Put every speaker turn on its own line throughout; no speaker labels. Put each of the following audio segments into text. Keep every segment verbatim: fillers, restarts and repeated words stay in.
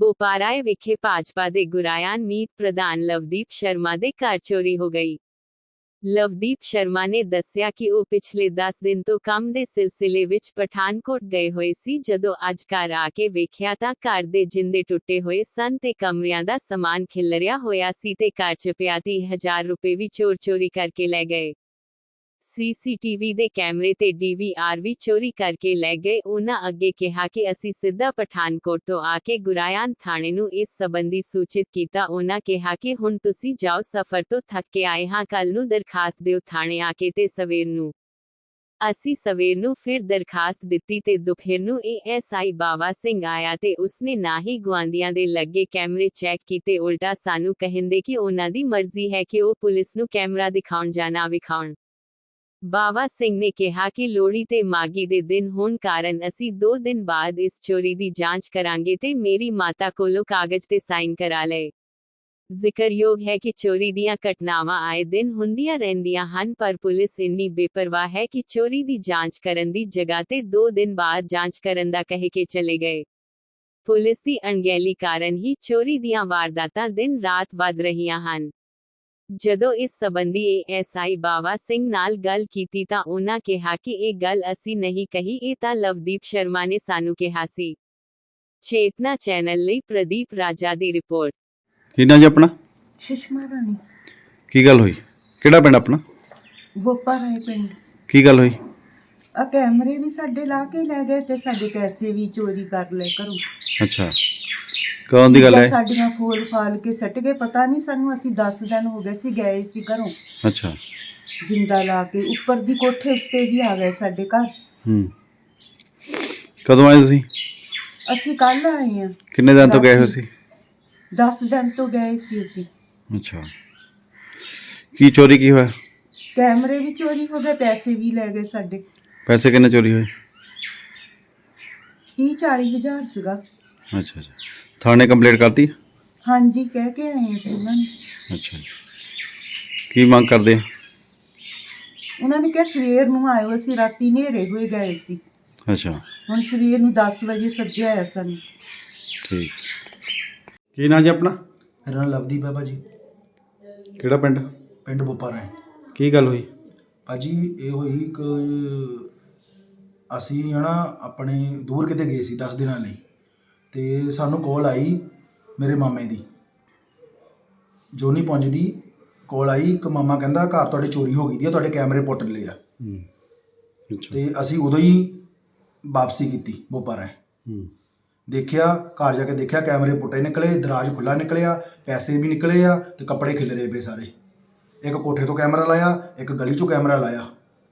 ਬੋਪਾਰਾਏ ਵਿਖੇ ਭਾਜਪਾ ਦੇ ਗੁਰਾਇਆਨ ਮੀਤ ਪ੍ਰਧਾਨ ਲਵਦੀਪ ਸ਼ਰਮਾ ਦੇ ਘਰ ਚੋਰੀ ਹੋ ਗਈ। ਲਵਦੀਪ ਸ਼ਰਮਾ ਨੇ ਦੱਸਿਆ ਕਿ ਉਹ ਪਿਛਲੇ ਦਸ ਦਿਨ ਤੋਂ ਕੰਮ ਦੇ ਸਿਲਸਿਲੇ ਵਿੱਚ ਪਠਾਨਕੋਟ ਗਏ ਹੋਏ ਸੀ। ਜਦੋਂ ਅੱਜ ਘਰ ਆ ਕੇ ਵੇਖਿਆ ਤਾਂ ਘਰ ਦੇ ਜਿੰਦੇ ਟੁੱਟੇ ਹੋਏ ਸਨ ਤੇ ਕਮਰਿਆਂ ਦਾ ਸਮਾਨ ਖਿਲਰਿਆ ਹੋਇਆ ਸੀ ਤੇ ਘਰ ਚ ਪਿਆ ਤੀਹ ਹਜ਼ਾਰ ਰੁਪਏ ਵੀ ਚੋਰ ਚੋਰੀ ਕਰਕੇ ਲੈ ਗਏ। ਸੀਸੀਟੀਵੀ ਦੇ ਕੈਮਰੇ ਤੇ ਡੀਵੀਆਰ ਵੀ ਚੋਰੀ ਕਰਕੇ ਲੈ ਗਏ। ਉਹਨਾਂ ਅੱਗੇ ਕਿਹਾ ਕਿ ਅਸੀਂ ਸਿੱਧਾ ਪਠਾਨਕੋਟ ਤੋਂ ਆ ਕੇ ਗੁਰਾਇਆਨ ਥਾਣੇ ਨੂੰ ਇਸ ਸੰਬੰਧੀ ਸੂਚਿਤ ਕੀਤਾ। ਉਹਨਾਂ ਕਿਹਾ ਕਿ ਹੁਣ ਤੁਸੀਂ ਜਾਓ, ਸਫ਼ਰ ਤੋਂ ਥੱਕ ਕੇ ਆਏ ਹਾਂ, ਕੱਲ ਨੂੰ ਦਰਖਾਸਤ ਦਿਓ ਥਾਣੇ ਆ ਕੇ ਤੇ ਸਵੇਰ ਨੂੰ। ਅਸੀਂ ਸਵੇਰ ਨੂੰ ਫਿਰ ਦਰਖਾਸਤ ਦਿੱਤੀ ਤੇ ਦੁਪਹਿਰ ਨੂੰ ਏਐਸਆਈ ਬਾਵਾ ਸਿੰਘ ਆਇਆ ਤੇ ਉਸਨੇ ਨਾ ਹੀ ਗੁਆਂਢੀਆਂ ਦੇ ਲੱਗੇ ਕੈਮਰੇ ਚੈੱਕ ਕੀਤੇ, ਉਲਟਾ ਸਾਨੂੰ ਕਹਿੰਦੇ ਕਿ ਉਹਨਾਂ ਦੀ ਮਰਜ਼ੀ ਹੈ ਕਿ ਉਹ ਪੁਲਿਸ ਨੂੰ ਕੈਮਰਾ ਦਿਖਾਉਣ ਜਾਂ ਨਾ ਵਿਖਾਉਣ। ਬਾਵਾ ਸਿੰਘ ਨੇ ਕਿਹਾ ਕਿ ਲੋਹੜੀ ਤੇ ਮਾਘੀ ਦੇ ਦਿਨ ਹੋਣ ਕਾਰਨ ਅਸੀਂ ਦੋ ਦਿਨ ਬਾਅਦ ਇਸ ਚੋਰੀ ਦੀ ਜਾਂਚ ਕਰਾਂਗੇ ਤੇ ਮੇਰੀ ਮਾਤਾ ਕੋਲੋਂ ਕਾਗਜ਼ ਤੇ ਸਾਈਨ ਕਰਾ ਲਏ। ਜ਼ਿਕਰਯੋਗ ਹੈ ਕਿ ਚੋਰੀ ਦੀਆਂ ਘਟਨਾਵਾਂ ਆਏ ਦਿਨ ਹੁੰਦੀਆਂ ਰਹਿੰਦੀਆਂ ਹਨ, ਪਰ ਪੁਲਿਸ ਇੰਨੀ ਬੇਪਰਵਾਹ ਹੈ ਕਿ ਚੋਰੀ ਦੀ ਜਾਂਚ ਕਰਨ ਦੀ ਜਗ੍ਹਾ ਤੇ ਦੋ ਦਿਨ ਬਾਅਦ ਜਾਂਚ ਕਰਨ ਦਾ ਕਹਿ ਕੇ ਚਲੇ ਗਏ। ਪੁਲਿਸ ਦੀ ਅਣਗਹਿਲੀ ਕਾਰਨ ਹੀ ਚੋਰੀ ਦੀਆਂ ਵਾਰਦਾਤਾਂ ਦਿਨ ਰਾਤ ਵੱਧ ਰਹੀਆਂ ਹਨ। ਜਦੋਂ ਇਸ ਸੰਬੰਧੀ ਏਐਸਆਈ ਬਾਵਾ ਸਿੰਘ ਨਾਲ ਗੱਲ ਕੀਤੀ ਤਾਂ ਉਹਨਾਂ ਕਿਹਾ ਕਿ ਇਹ ਗੱਲ ਅਸੀਂ ਨਹੀਂ ਕਹੀ, ਇਹ ਤਾਂ ਲਵਦੀਪ ਸ਼ਰਮਾ ਨੇ ਸਾਨੂੰ ਕਿਹਾ ਸੀ। ਚੇਤਨਾ ਚੈਨਲ ਲਈ ਪ੍ਰਦੀਪ ਰਾਜਾ ਦੀ ਰਿਪੋਰਟ।
ਕੀ ਨਾਂ ਜੀ ਆਪਣਾ?
ਸੁਸ਼ਮਾ ਰਾਣੀ।
ਕੀ ਗੱਲ ਹੋਈ? ਕਿਹੜਾ ਪਿੰਡ ਆਪਣਾ?
ਬੋਪਾਰਾਏ ਪਿੰਡ।
ਕੀ ਗੱਲ ਹੋਈ?
ਆ ਕੈਮਰੇ ਵੀ ਸਾਡੇ ਲਾ ਕੇ ਲੈ ਗਏ ਤੇ ਸਾਡੇ ਪੈਸੇ ਵੀ ਚੋਰੀ ਕਰ ਲਏ ਘਰੋਂ।
ਅੱਛਾ, ਕਦੋਂ ਦੀ ਗੱਲ ਹੈ?
ਸਾਡੀਆਂ ਫੋਲ ਫਾਲ ਕੇ ਸੱਟ ਗਏ, ਪਤਾ ਨਹੀਂ ਸਾਨੂੰ। ਅਸੀਂ ਦਸ ਦਿਨ ਹੋ ਗਏ ਸੀ ਗਏ ਸੀ ਘਰੋਂ।
ਅੱਛਾ,
ਜਿੰਦਾ ਲਾ ਕੇ ਉੱਪਰ ਦੀ ਕੋਠੇ ਉੱਤੇ ਵੀ ਆ ਗਏ ਸਾਡੇ ਘਰ।
ਹੂੰ, ਕਦੋਂ ਆਏ ਤੁਸੀਂ?
ਅਸੀਂ ਕੱਲ ਆਏ ਆ।
ਕਿੰਨੇ ਦਿਨ ਤੋਂ ਗਏ ਹੋਏ ਸੀ?
ਦਸ ਦਿਨ ਤੋਂ ਗਏ ਸੀ ਅਸੀਂ।
ਅੱਛਾ, ਕੀ ਚੋਰੀ ਕੀ ਹੋਇਆ?
ਕੈਮਰੇ ਵੀ ਚੋਰੀ ਹੋ ਗਏ, ਪੈਸੇ ਵੀ ਲੈ ਗਏ ਸਾਡੇ।
ਪੈਸੇ ਕਿੰਨੇ ਚੋਰੀ ਹੋਏ?
ਤੀਹ ਚਾਲੀ ਹਜ਼ਾਰ ਸੀਗਾ।
ਅੱਛਾ ਅੱਛਾ, ਥਾਣੇ ਕੰਪਲੇਂਟ ਕਰਤੀ?
ਹਾਂਜੀ, ਕਹਿ ਕੇ ਆਏ ਅਸੀਂ ਉਹਨਾਂ ਨੂੰ।
ਅੱਛਾ, ਕੀ ਮੰਗ ਕਰਦੇ ਆ?
ਉਹਨਾਂ ਨੇ ਕਿਹਾ ਸਵੇਰ ਨੂੰ ਆਇਓ, ਅਸੀਂ ਰਾਤੀ ਹਨੇਰੇ ਹੋਏ ਗਏ ਸੀ।
ਅੱਛਾ,
ਹੁਣ ਸਵੇਰ ਨੂੰ ਦਸ ਵਜੇ ਸੱਜਿਆ ਆਇਆ ਸਾਨੂੰ।
ਠੀਕ। ਕੀ ਨਾਂ ਜੀ ਆਪਣਾ?
ਮੇਰਾ ਨਾਮ ਲਵਦੀਪ ਹੈ ਭਾਜੀ,
ਕਿਹੜਾ ਪਿੰਡ?
ਪਿੰਡ ਬੋਪਾਰਾਏ।
ਕੀ ਗੱਲ ਹੋਈ?
ਭਾਜੀ ਇਹ ਹੋਈ ਕਿ ਅਸੀਂ ਹੈ ਨਾ ਆਪਣੇ ਦੂਰ ਕਿਤੇ ਗਏ ਸੀ ਦਸ ਦਿਨਾਂ ਲਈ, ਅਤੇ ਸਾਨੂੰ ਕੋਲ ਆਈ ਮੇਰੇ ਮਾਮੇ ਦੀ, ਜੋਨੀ ਪੁੰਜ ਦੀ ਕੋਲ ਆਈ ਕਿ ਮਾਮਾ ਕਹਿੰਦਾ ਘਰ ਤੁਹਾਡੇ ਚੋਰੀ ਹੋ ਗਈ ਦੀ ਆ, ਤੁਹਾਡੇ ਕੈਮਰੇ ਪੁੱਟ ਲਏ ਆ। ਅਤੇ ਅਸੀਂ ਉਦੋਂ ਹੀ ਵਾਪਸੀ ਕੀਤੀ ਬੋਪਾਰਾਏ। ਦੇਖਿਆ, ਘਰ ਜਾ ਕੇ ਦੇਖਿਆ ਕੈਮਰੇ ਪੁੱਟੇ ਨਿਕਲੇ, ਦਰਾਜ ਖੁੱਲ੍ਹਾ ਨਿਕਲਿਆ, ਪੈਸੇ ਵੀ ਨਿਕਲੇ ਆ ਅਤੇ ਕੱਪੜੇ ਖਿਲਰੇ ਪਏ ਸਾਰੇ। ਇੱਕ ਕੋਠੇ ਤੋਂ ਕੈਮਰਾ ਲਾਇਆ, ਇੱਕ ਗਲੀ 'ਚੋਂ ਕੈਮਰਾ ਲਾਇਆ।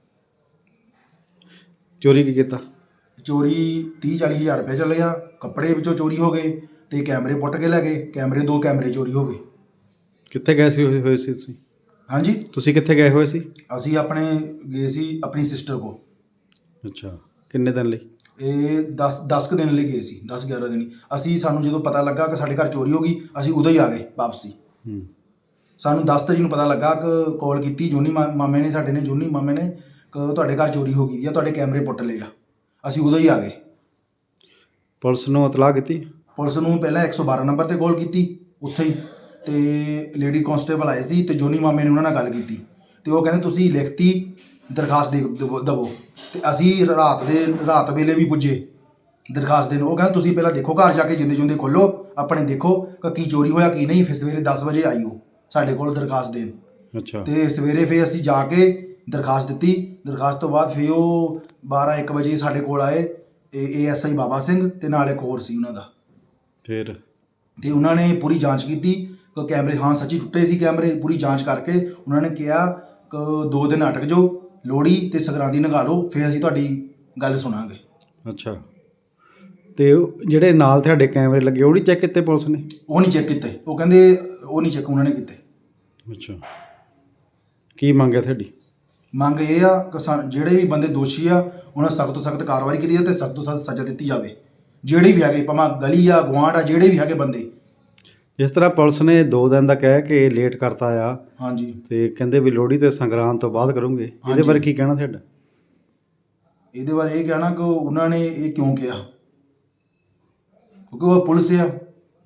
ਚੋਰੀ ਕੀ ਕੀਤਾ?
ਚੋਰੀ ਤੀਹ ਚਾਲੀ ਹਜ਼ਾਰ ਰੁਪਏ ਚੱਲ ਗਿਆ, ਕੱਪੜੇ ਵਿੱਚੋਂ ਚੋਰੀ ਹੋ ਗਏ ਅਤੇ ਕੈਮਰੇ ਪੁੱਟ ਕੇ ਲੈ ਗਏ। ਕੈਮਰੇ ਦੋ ਕੈਮਰੇ ਚੋਰੀ ਹੋ ਗਏ।
ਕਿੱਥੇ ਗਏ ਸੀ ਹੋਏ ਸੀ ਤੁਸੀਂ?
ਹਾਂਜੀ,
ਤੁਸੀਂ ਕਿੱਥੇ ਗਏ ਹੋਏ ਸੀ?
ਅਸੀਂ ਆਪਣੇ ਗਏ ਸੀ ਆਪਣੀ ਸਿਸਟਰ ਕੋਲ।
ਅੱਛਾ, ਕਿੰਨੇ ਦਿਨ ਲਈ?
ਇਹ ਦਸ ਦਸ ਕੁ ਦਿਨ ਲਈ ਗਏ ਸੀ, ਦਸ ਗਿਆਰਾਂ ਦਿਨ। ਅਸੀਂ ਸਾਨੂੰ ਜਦੋਂ ਪਤਾ ਲੱਗਾ ਕਿ ਸਾਡੇ ਘਰ ਚੋਰੀ ਹੋ ਗਈ, ਅਸੀਂ ਉਦੋਂ ਹੀ ਆ ਗਏ ਵਾਪਸੀ। ਸਾਨੂੰ ਦਸ ਤਰੀਕ ਨੂੰ ਪਤਾ ਲੱਗਾ ਕਿ ਕਾਲ ਕੀਤੀ ਜੋਨੀ ਮਾ ਮਾਮੇ ਨੇ ਸਾਡੇ ਨੇ ਜੋਨੀ ਮਾਮੇ ਨੇ ਕਿ ਤੁਹਾਡੇ ਘਰ ਚੋਰੀ ਹੋ ਗਈ ਆ, ਤੁਹਾਡੇ ਕੈਮਰੇ ਪੁੱਟ ਲਏ ਆ। ਅਸੀਂ ਉਦੋਂ ਹੀ ਆ ਗਏ।
ਪੁਲਿਸ ਨੂੰ ਇਤਲਾਹ ਕੀਤੀ?
ਪੁਲਿਸ ਨੂੰ ਪਹਿਲਾਂ ਇੱਕ ਸੌ ਬਾਰਾਂ ਨੰਬਰ 'ਤੇ ਕਾਲ ਕੀਤੀ ਉੱਥੇ ਹੀ, ਅਤੇ ਲੇਡੀ ਕਾਂਸਟੇਬਲ ਆਏ ਸੀ ਅਤੇ ਜੋਨੀ ਮਾਮੇ ਨੇ ਉਹਨਾਂ ਨਾਲ ਗੱਲ ਕੀਤੀ ਅਤੇ ਉਹ ਕਹਿੰਦੇ ਤੁਸੀਂ ਲਿਖਤੀ ਦਰਖਾਸਤ ਦੇ ਦੇਵੋ ਦੇਵੋ ਅਤੇ ਅਸੀਂ ਰਾਤ ਦੇ ਰਾਤ ਵੇਲੇ ਵੀ ਪੁੱਜੇ ਦਰਖਾਸਤ ਦੇਣ। ਉਹ ਕਹਿੰਦੇ ਤੁਸੀਂ ਪਹਿਲਾਂ ਦੇਖੋ, ਘਰ ਜਾ ਕੇ ਜਿੰਦੇ ਜੁੰਦੇ ਖੋਲ੍ਹੋ ਆਪਣੇ, ਦੇਖੋ ਕਿ ਕੀ ਚੋਰੀ ਹੋਇਆ ਕੀ ਨਹੀਂ, ਫਿਰ ਸਵੇਰੇ ਦਸ ਵਜੇ ਆਈਓ ਸਾਡੇ ਕੋਲ ਦਰਖਾਸਤ ਦੇਣ।
ਅੱਛਾ,
ਅਤੇ ਸਵੇਰੇ ਫਿਰ ਅਸੀਂ ਜਾ ਕੇ ਦਰਖਾਸਤ ਦਿੱਤੀ। ਦਰਖਾਸਤ ਤੋਂ ਬਾਅਦ ਫਿਰ ਉਹ ਬਾਰਾਂ ਇੱਕ ਵਜੇ ਸਾਡੇ ਕੋਲ ਆਏ ਏ ਐਸ ਆਈ ਬਾਬਾ ਸਿੰਘ ਅਤੇ ਨਾਲ ਇੱਕ ਹੋਰ ਸੀ ਉਹਨਾਂ ਦਾ।
ਫਿਰ
ਅਤੇ ਉਹਨਾਂ ਨੇ ਪੂਰੀ ਜਾਂਚ ਕੀਤੀ ਕਿ ਕੈਮਰੇ ਹਾਂ ਸੱਚੀ ਟੁੱਟੇ ਸੀ ਕੈਮਰੇ। ਪੂਰੀ ਜਾਂਚ ਕਰਕੇ ਉਹਨਾਂ ਨੇ ਕਿਹਾ ਕਿ ਦੋ ਦਿਨ ਅਟਕ ਜਾਓ, ਲੋਹੜੀ ਅਤੇ ਸੰਗਰਾਂਦੀ ਲੰਘਾ ਲਓ, ਫਿਰ ਅਸੀਂ ਤੁਹਾਡੀ ਗੱਲ ਸੁਣਾਂਗੇ।
ਅੱਛਾ, ਅਤੇ ਜਿਹੜੇ ਨਾਲ ਤੁਹਾਡੇ ਕੈਮਰੇ ਲੱਗੇ ਉਹ ਨਹੀਂ ਚੈੱਕ ਕੀਤੇ ਪੁਲਿਸ ਨੇ?
ਉਹ ਨਹੀਂ ਚੈੱਕ ਕੀਤੇ, ਉਹ ਕਹਿੰਦੇ ਉਹ ਨਹੀਂ ਚੈੱਕ ਉਹਨਾਂ ਨੇ ਕੀਤੇ।
ਅੱਛਾ, ਕੀ ਮੰਗ ਹੈ ਤੁਹਾਡੀ?
ਮੰਗ ਇਹ ਆ ਕਿ ਸਾ ਜਿਹੜੇ ਵੀ ਬੰਦੇ ਦੋਸ਼ੀ ਆ ਉਹਨਾਂ ਸਖਤ ਤੋਂ ਸਖਤ ਕਾਰਵਾਈ ਕੀਤੀ ਜਾਵੇ ਅਤੇ ਸਖਤ ਤੋਂ ਸਖਤ ਸਜ਼ਾ ਦਿੱਤੀ ਜਾਵੇ। ਜਿਹੜੇ ਵੀ ਹੈਗੇ, ਭਾਵੇਂ ਗਲੀ ਆ ਗੁਆਂਢ ਆ, ਜਿਹੜੇ ਵੀ ਹੈਗੇ ਬੰਦੇ।
ਜਿਸ ਤਰ੍ਹਾਂ ਪੁਲਿਸ ਨੇ ਦੋ ਦਿਨ ਦਾ ਕਹਿ ਕੇ ਲੇਟ ਕਰਤਾ ਆ,
ਹਾਂਜੀ,
ਅਤੇ ਕਹਿੰਦੇ ਵੀ ਲੋਹੜੀ ਅਤੇ ਸੰਗਰਾਂਦ ਤੋਂ ਬਾਅਦ ਕਰੋਗੇ, ਇਹਦੇ ਬਾਰੇ ਕੀ ਕਹਿਣਾ ਤੁਹਾਡਾ?
ਇਹਦੇ ਬਾਰੇ ਇਹ ਕਹਿਣਾ ਕਿ ਉਹਨਾਂ ਨੇ ਇਹ ਕਿਉਂ ਕਿਹਾ, ਕਿਉਂਕਿ ਉਹ ਪੁਲਿਸ ਆ,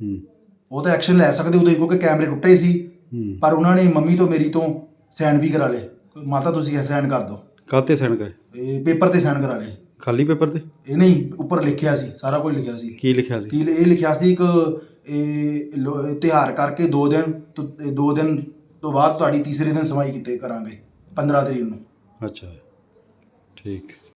ਹੂੰ
ਉਹ ਤਾਂ ਐਕਸ਼ਨ ਲੈ ਸਕਦੇ ਉਦੋਂ ਹੀ, ਕਿਉਂਕਿ ਕੈਮਰੇ ਟੁੱਟੇ ਸੀ।
ਹੂੰ
ਪਰ ਉਹਨਾਂ ਨੇ ਮੰਮੀ ਤੋਂ ਮੇਰੀ ਤੋਂ ਸਾਈਨ ਵੀ ਕਰਾ ਲਏ, ਮਾਤਾ ਤੁਸੀਂ ਸਾਈਨ ਕਰ ਦਿਓ,
ਕਾਹਤੇ ਸਾਈਨ ਕਰੇ?
ਇਹ ਪੇਪਰ ਤੇ ਸਾਈਨ ਕਰਾ ਲਏ।
ਖਾਲੀ ਪੇਪਰ ਤੇ
ਇਹ ਨਹੀਂ, ਉੱਪਰ ਲਿਖਿਆ ਸੀ, ਸਾਰਾ ਕੁਝ ਲਿਖਿਆ ਸੀ।
ਕੀ ਲਿਖਿਆ ਸੀ?
ਕੀ ਇਹ ਲਿਖਿਆ ਸੀ, ਇੱਕ ਇਹ ਲੋ- ਤਿਉਹਾਰ ਕਰਕੇ ਦੋ ਦਿਨ ਤੋਂ ਦੋ ਦਿਨ ਤੋਂ ਬਾਅਦ ਤੁਹਾਡੀ ਤੀਸਰੇ ਦਿਨ ਸਮਾਈ ਕੀਤੇ ਕਰਾਂਗੇ, ਪੰਦਰਾਂ ਤਰੀਕ ਨੂੰ।
ਅੱਛਾ ਠੀਕ।